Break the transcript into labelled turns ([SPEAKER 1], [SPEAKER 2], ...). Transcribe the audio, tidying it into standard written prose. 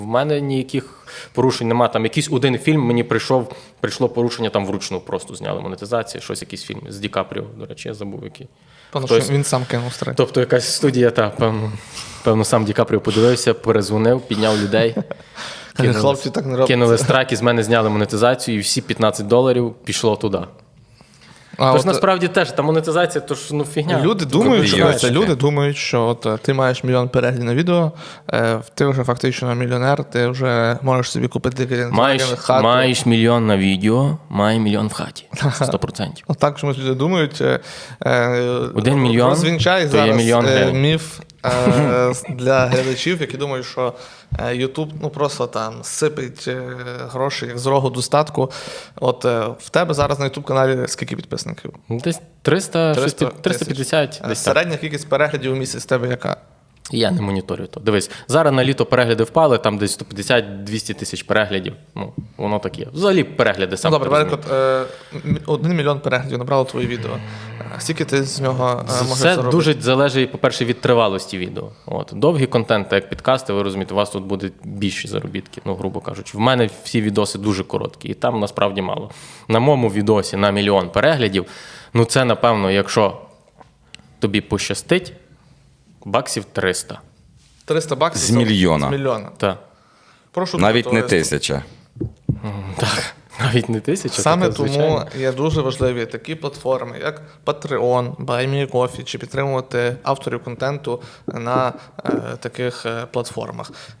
[SPEAKER 1] В мене ніяких порушень нема. Там якийсь один фільм мені прийшло порушення, там вручну просто зняли монетизацію, щось якийсь фільм з Ді Капріо, до речі, я забув який.
[SPEAKER 2] Тому що він сам кинув стрик.
[SPEAKER 1] Тобто якась студія, певно, сам Ді Капріо подивився, перезвонив, підняв людей.
[SPEAKER 2] Хлопці так не роблять.
[SPEAKER 1] Кинули страйк, з мене зняли монетизацію, і всі $15 пішло туди. Тож насправді теж, та монетизація, то ж фігня.
[SPEAKER 2] Люди думають, що от ти маєш мільйон переглядів на відео, ти вже фактично мільйонер, ти вже можеш собі купити хату.
[SPEAKER 1] Маєш мільйон на відео, має мільйон в хаті. 100%.
[SPEAKER 2] Отак чомусь люди думають.
[SPEAKER 1] 1 мільйон,
[SPEAKER 2] розвінчай
[SPEAKER 1] то є мільйон
[SPEAKER 2] зараз
[SPEAKER 1] гривень.
[SPEAKER 2] міф для глядачів, які думають, що YouTube просто там сипить гроші як з рогу достатку. От в тебе зараз на YouTube-каналі скільки підписників?
[SPEAKER 1] Десь 350. Десь
[SPEAKER 2] Середня кількість переглядів у місяць в тебе яка?
[SPEAKER 1] Я не моніторю то. Дивись, зараз на літо перегляди впали, там десь 150-200 тисяч переглядів. Воно таке. Взагалі перегляди сам.
[SPEAKER 2] Добре, наприклад, 1 мільйон переглядів набрало твоє відео. Скільки ти з нього можеш заробити?
[SPEAKER 1] Це дуже залежить, по-перше, від тривалості відео. Довгі контенти, як підкасти, ви розумієте, у вас тут будуть більші заробітки, грубо кажучи. В мене всі відоси дуже короткі, і там насправді мало. На моєму відосі на 1 мільйон переглядів, це, напевно, якщо тобі пощастить, баксів 300.
[SPEAKER 2] 300 баксів?
[SPEAKER 3] З мільйона.
[SPEAKER 2] З мільйона.
[SPEAKER 1] Так.
[SPEAKER 2] Прошу
[SPEAKER 3] Навіть
[SPEAKER 2] дуже,
[SPEAKER 3] не 1000.
[SPEAKER 1] Так, навіть не 1000.
[SPEAKER 2] Саме
[SPEAKER 1] таке,
[SPEAKER 2] тому
[SPEAKER 1] звичайно.
[SPEAKER 2] є дуже важливі такі платформи, як Patreon, BuyMeACoffee, чи підтримувати авторів контенту на таких платформах.